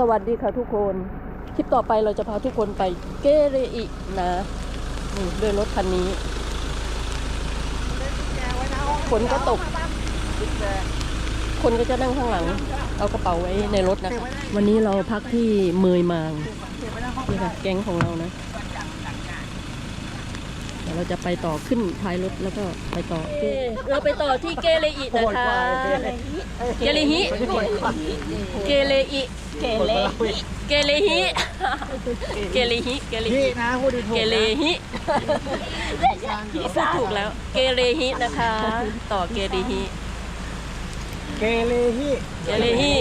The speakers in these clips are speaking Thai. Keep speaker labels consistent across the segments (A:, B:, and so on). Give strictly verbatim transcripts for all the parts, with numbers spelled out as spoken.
A: วัสดีค่ะทุกคนคลิปต่อไปเราจะพาทุกคนไปเกเรอินะนี่ด้วยรถคันนี้ฝนก็ตกคนก็จะนั่งข้างหลังเอากระเป๋าไว้ในรถนะคะวันนี้เราพักที่เมยมางนี่ค่ะแก๊งของเรานะเดี๋ยวเราจะไปต่อขึ้นท้ายรถแล้วก็ไปต่อเราไปต่อที่เกเรอินะคะเกเรฮิเกเรอิเกเรเกเรฮิเกเรฮิเกเรฮินะพูดถูกเกเรฮิพูดถูกแล้วเกเรฮินะคะต่อเกเรฮิ
B: เกเรฮิ
A: เกเรฮิ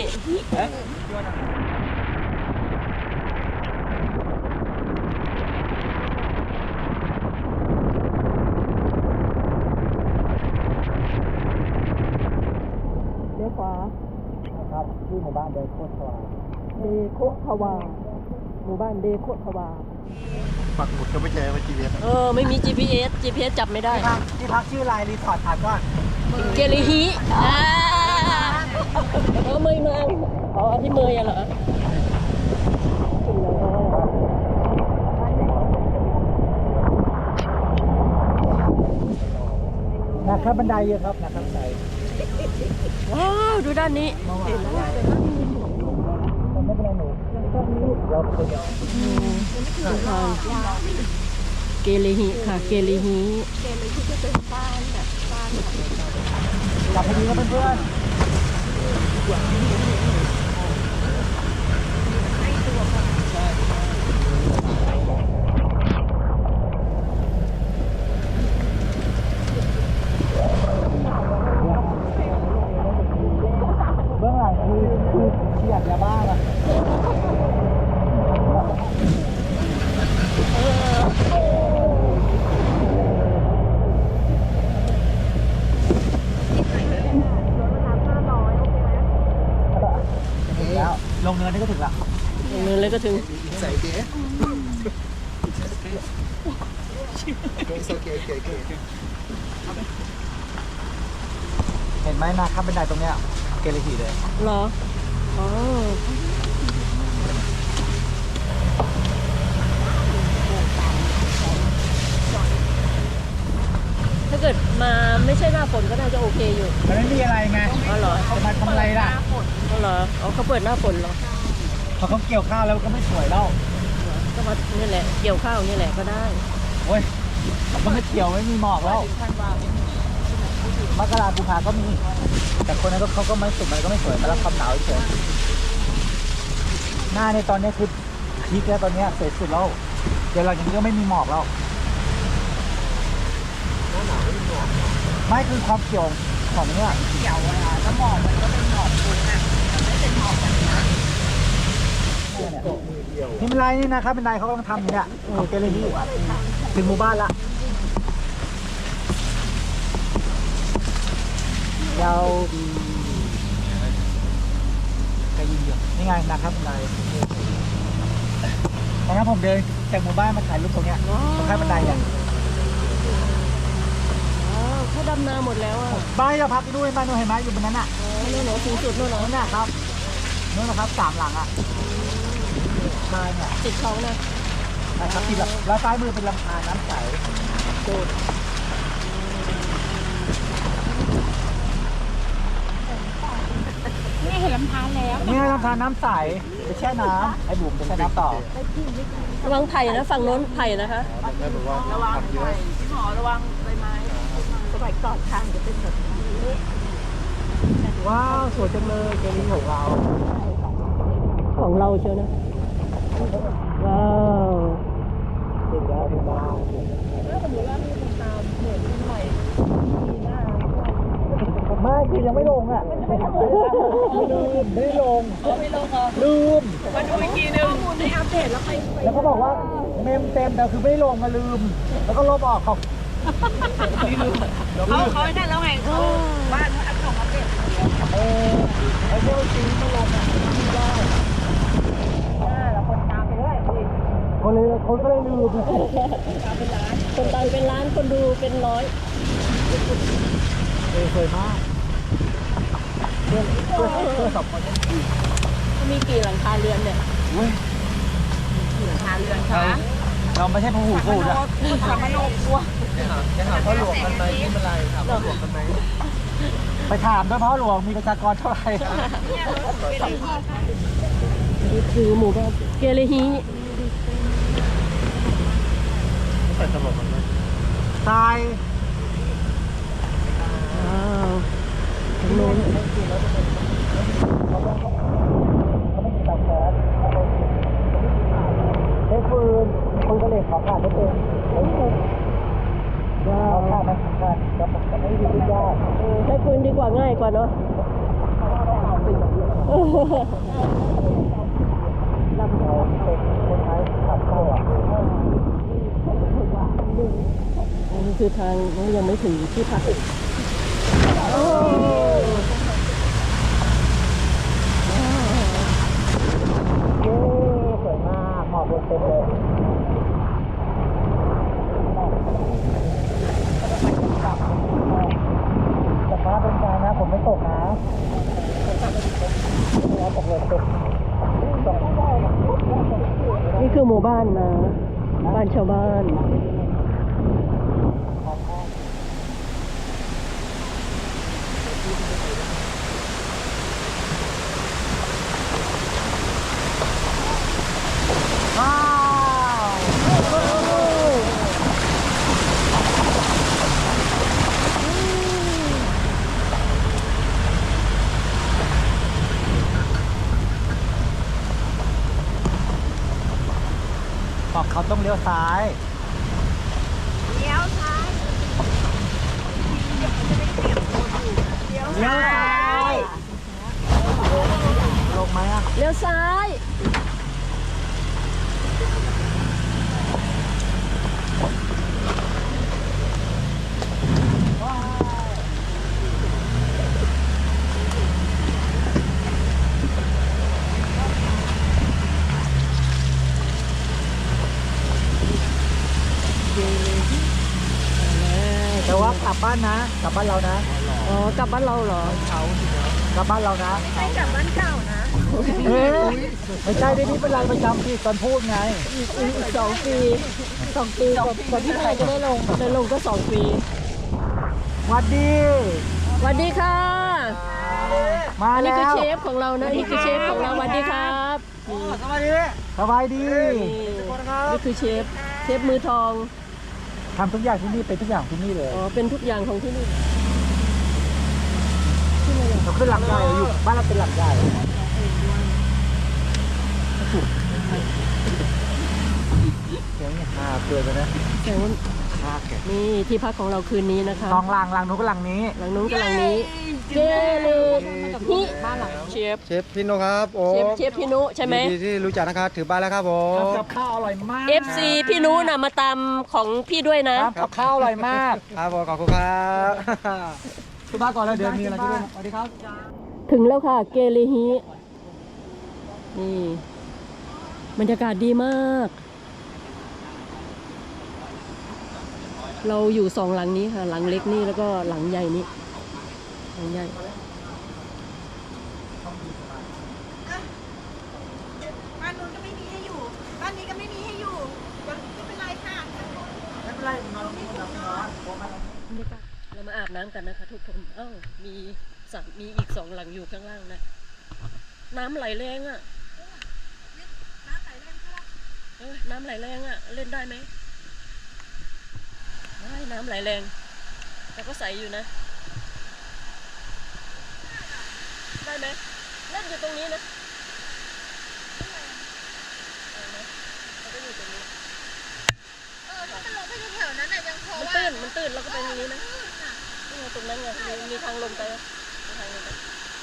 A: เลี้ยวขวา
B: ครับที่หมู่บ้านเดโคทวา
A: เดโคทวาหมู่บ้านเดโคทวา
B: ปักหมุดก็ไม่เจอว่า จี พี เอส
A: เออไม่มี จี พี เอส จี พี เอส จับไม่ได้
B: ที่พักชื่อไลน์รีสอร์ทถามก่อน
A: เกเรฮิอ่าเออเมยมาอ๋อที่เมยอะเหรอ
B: นะครับบันไดเยอะครับนะครับบันได
A: ว้าวดูด้านนี้
B: ไม่เป็นไรหนูเราเป็นคนเดียว
A: เกเรฮิค่ะเกเรฮิ
C: เกเรฮิก็เป็นบ้านแบบบ้าน
B: หลับพอดีครับเพื่อนเบื้องหลังคือคือเฉียดยาบ้าอะแล้วลงเนินนี่ก็ถึงละ
A: ลงเนินเลยก็ถึง
B: ใส่เก๋เห็นไหมนาข้ามบันไดตรงเนี้ยเกเรฮิเลย
A: เหรออ๋อถ้าเกิดมาไม่ใช่หน้าฝนก็น่าจะโอเคอยู่
B: มันไม่มีอะไรไง
A: อ๋อเหรอ
B: จะมาทำอะไรล่ะ
A: อ๋อเหรออ๋อเขาเปิดหน้าฝนเหรอ
B: พอเขาเกี่ยวข้าวแล้วก็ไม่สวยแล้ว
A: ก็มานี่แหละเกี่ยวข้าวนี่แหละก็ได้
B: โอ้ยมันไม่เกี่ยวไม่มีหมอกแล้วมกรากุมภาก็มีแต่คนนั้นก็เขาก็ไม่สุดมันก็ไม่สวยมาแล้วความหนาวเฉยหน้าในตอนนี้คือพีคแล้วตอนนี้สวยสุดแล้วเดี๋ยวหลังจากนี้ก็ไม่มีหมอกแล้วไม่คือความเกี่ยวของเนี้ย
C: เกี่ยวอะแล้วหมอกมันก็เป็นหมอกฟุ้งอ่ะมันไม่เป็นหมอกแบบนี้
B: นี่เป็นไรนี่นะครับเป็นไรเขากำลังทำอยู่เนี่ยของเกเรฮิถึงหมู่บ้านละยาวดีกระยิงอยู่นี่ไงนะครับบันไดตอนนั้นผมเดินจากหมู่บ้านมาถ่ายรูปตรงเนี้ยตรงข้างบันไดเนี่ย
A: เขาดำนาหมดแล้วอ่ะ
B: บ้านเราพักด้วยบ้านนู้นเห็นไหมอยู่บนนั้นอ่ะ
A: นู่นเหรอสูงสุดนู่นเหรอ
B: นั่นนะครับนู่นนะครับสามหลังอ่ะบ้านเนี่ย
A: ติดเขานะ
B: นะครับติดแล้วซ้ายมือเป็นลำธารน้ำใสโคตร
C: นี่เห็นลำธารแล้ว
B: นี่ลำธารน้ำใสไปแช่น้ำไอ้บุ๋มไปแช่น้ำต่อ
A: ระวังไผ่นะฝั่งโน้นไผ่นะคะ
C: ระวังไผ่พี่หมอระวังใบไม้สมัยก่อนทางจะเป็นแบบนี้
B: ว้าวสวยจังเลยเกลีของเรา
A: ของเราเชียวนะว้าว
B: เด็กแล้วเด็กแล้ว
C: ถ้าสมมติว่ามีคนตามเหมือนใหม่มีหน้า
B: ไม่คือยังไม่ลงอ่ะลืมไม่ลง
C: ไม่ลงเหรอ
B: ลืม
C: มาดูอีกทีนึงข้อมูลในอัปเดตแล้วไป
B: แล้วก็บอกว่าเมมเต็มแต่คือไม่ลงมาลืมแล้วก็ลบออกเขา
C: เขาเขาได้แล้วไงบ้านเขาอัปส่งอัปเดต
B: เออไอ้พวกซีไม่ลงอ่ะไม่ได้
C: แล้วคนตามไปด้วย
B: คนเลยคนก็เลยลืม
A: คนตามเป็นล้านคนดูเป็นร้อย
B: เออสวยมากเพื่อนเพื่อนเพื่อนสองคน
A: มีกี่หลังคาเรือนเนี่ย
B: เว้ย
C: หลังคาเรือน
B: เรา
C: ค่ะ
B: เราไม่ใช่พหูสูตรอะ
C: สามโนกลัว
D: จะถามพ่อหลวงกันไหมนี่เป็นไรถามพ่อหลวงกันไหม
B: ไปถามด้วยพ่อหลวงมีประชากรเท่าไหร่
A: นี่คือหมู่บ้านเกเรฮี
D: ใส่ตลกกันไหม
B: ทราย
A: ว้าวตรงโน้น
B: ใช้ฟืนคนก็เลยขอขาดไม่เป็นว้าวขาดไม่ขาดจะจะไม่ดียาก
A: ใช้ปืนดีกว่าง่ายกว่าเนาะ
B: ลำเราเป็นคนไทยขับเข้าอ่ะ
A: นี่คือทางยังไม่ถึงที่พักโอ้
B: เย้สวยมากหมอกลงเต็มเลยแต่ฟ้าเป็นกลางนะผมไม่ตกนะเราตกเลยตก
A: นี่คือหมู่บ้านนะ บ้านชาวบ้าน
B: ว้าวบอกเขาต้องเลี้ยวซ้าย
C: เลี้ยวซ้ายเดี๋ยวมันจะได้เปลี่ยนตัวอยู่เลี้ยว
B: เลี้ยวซ้าย ลงไหมอ่ะ
A: เลี้ยวซ้าย
B: แต่ว่ากลับบ้านนะ กลับบ้านเรานะ
A: อ๋อกลับบ้านเราเหรอ
B: กลับบ้านเรานะ
C: ไม่ใช่กลับบ้านเก่านะ
B: เอ๊ะไม่ใช่ได้นี่เป็นรายประจำที่ตอนพูดไง
A: อีกอีกสองปีสองปีก่อนก่อนที่ไทยจะได้ลงได้ลงก็สองปี
B: หวัดดี
A: สวัสดีค่ะ
B: มา
A: อันนี้
B: แล้
A: คือ
B: ว
A: เชฟของเรานะนี่คือเชฟของเราสวัสดีครับนี่
B: สบายดีสบายดี
A: นี่คือเชฟเชฟมือทอง
B: ทำทุกอย่างที่นี่เป็นทุกอย่างที่นี่เลย
A: อ๋อเป็นทุกอย่างของที่นี่
B: เราขึ้นหลังใหญ่เราอยู่บ้านเราเป็นหลังใหญ่เสียงเนี่ยอ่าเกิดไปนะ
A: แต่ว่า
B: อ่าเกิด
A: นี่ที่พักของเราคืนนี้นะคะ
B: สองหลังหลังนู้นก็หลังนี้
A: หลังนู้นกับหลังนี้เกเลฮิบ้านหลังเชฟ
D: เชฟพี่โนครับโอ้
A: เชฟเชฟพี่นุใช่ไหม
D: ยินดีที่รู้จักนะครับถือบ้านแล้วครับผม
B: ทำกับข้าวอร่อยมาก
A: เอฟซีพี่นุน่ะมาตามของพี่ด้วยนะ
B: ครับกับข้าวอร่อยมาก
D: ครับผมขอบคุณครับ
B: คุณมาก่อนแล้วเดี๋ยวมีอะไรที่ด้วยสวัสดีครับ
A: ถึงแล้วค่ะเกเลฮินี่บรรยากาศดีมาก เราอยู่สองหลังนี้ค่ะ หลังเล็กนี่แล้วก็หลังใหญ่นี้หลังใหญ่
C: บ้านนู้นก็ไม่มีให้อยู่ บ้านนี้ก็ไม่มีให้อยู่ไม่เป็นไรค่ะ
B: ไม่เป็นไรนอนนี่นอนนอน
A: บรรยากาศเรามาอาบน้ำกันนะคะทุกคนเอ้ามีสระมีอีกสองหลังอยู่ข้างล่างนะ น้ำไหลแรงอะ่ะ
C: น้ำไหลแรงค่ะ
A: เอ้ยน้ำไหลแรงอะ่ะ เล่นได้ไหมได้น้ำไหลแรง แต่ก็ใสอยู่นะ ได้ไหมเล่นอยู่ตรงนี้นะเอานะเราก็อยู่ตรงนี้
C: เออถ้ามันลงไปแถวๆนั้นน่ะยังพอ
A: มัน
C: ว่า
A: ตื้นมันตื้นแล้วก็ไปตรงนี้นะนี่ไงตรงนั้นไงมีมีทางลงไปอะมีทางลงไป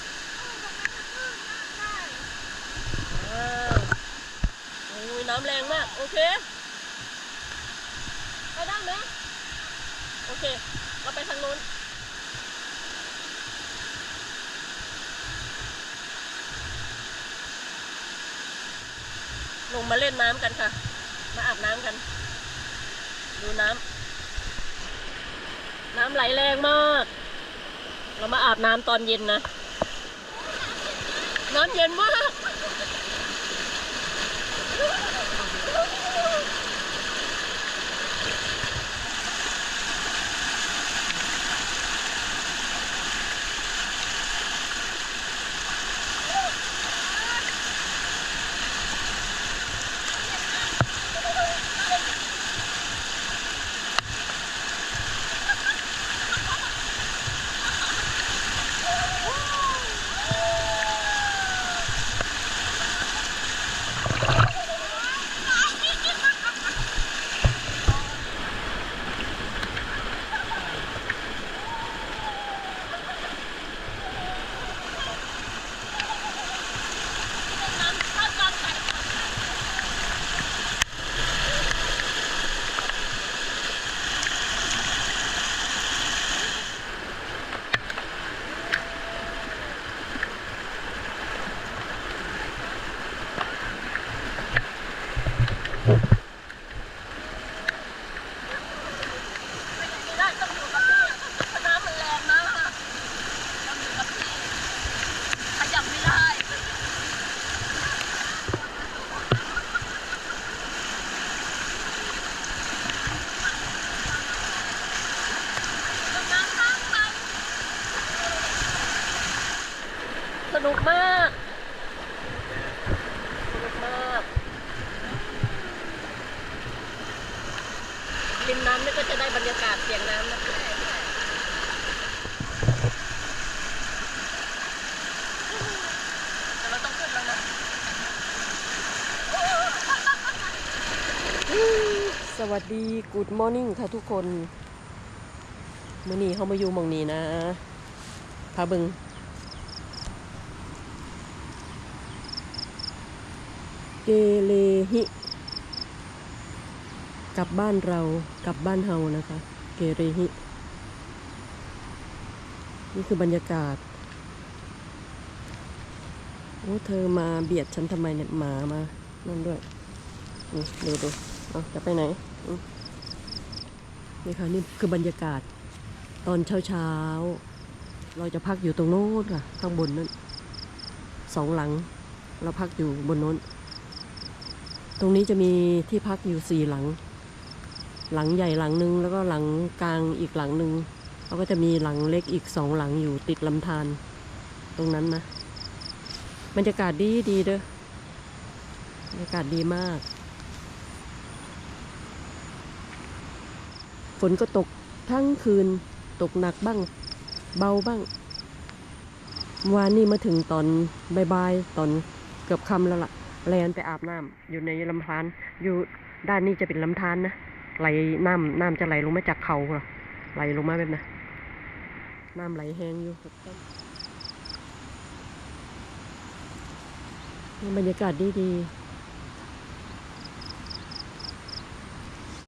A: ว้าวโอ้ยน้ำแรงมาก โอเคไปได้ไหมโอเค เราไปทางโน้นลงมาเล่นน้ำกันค่ะ มาอาบน้ำกัน ดูน้ำน้ำไหลแรงมาก เรามาอาบน้ำตอนเย็นนะ น้ำเย็นมากไม่ได้ต้องอยู่กับที่เพราะน้ำมันแรงมากต้องอยู่กับที่ขยับไม่ได้สนุกมากสนุกมากริมน้ำนี่ก็จะได้บรรยากาศเสียงน้ำนะแต่เราต้องขึ้นแล้วนะสวัสดี Good Morning ค่ะทุกคนมื้อนี้เขามาอยู่หม่องนี้นะพาเบิงเกเลหิกลับบ้านเรากลับบ้านเฮานะคะเกเรหินี่คือบรรยากาศโอ้เธอมาเบียดฉันทำไมเนี่ยหมามานั่นด้วยนี่ดูดูเอาจะไปไหนนี่ค่ะนี่คือบรรยากาศตอนเช้าเช้าเราจะพักอยู่ตรงโน้นค่ะข้างบนนั้นสองหลังเราพักอยู่บนโน้นตรงนี้จะมีที่พักอยู่สี่หลังหลังใหญ่หลังหนึ่งแล้วก็หลังกลางอีกหลังหนึ่งแล้วก็จะมีหลังเล็กอีกสองหลังอยู่ติดลำธารตรงนั้นนะบรรยากาศดีดีเด้อบรรยากาศดีมากฝนก็ตกทั้งคืนตกหนักบ้างเบาบ้างวานนี้มาถึงตอนบ่ายๆตอนเกือบค่ำแล้วล่ะแลนไปอาบน้ำอยู่ในลำธารอยู่ด้านนี้จะเป็นลำธารนะไหลน้ำน้ำจะไหลลงมาจากเขาเหรอไหลลงมาแบบนั้นน้ำไหลแห้งอยู่นี่บรรยากาศดีดี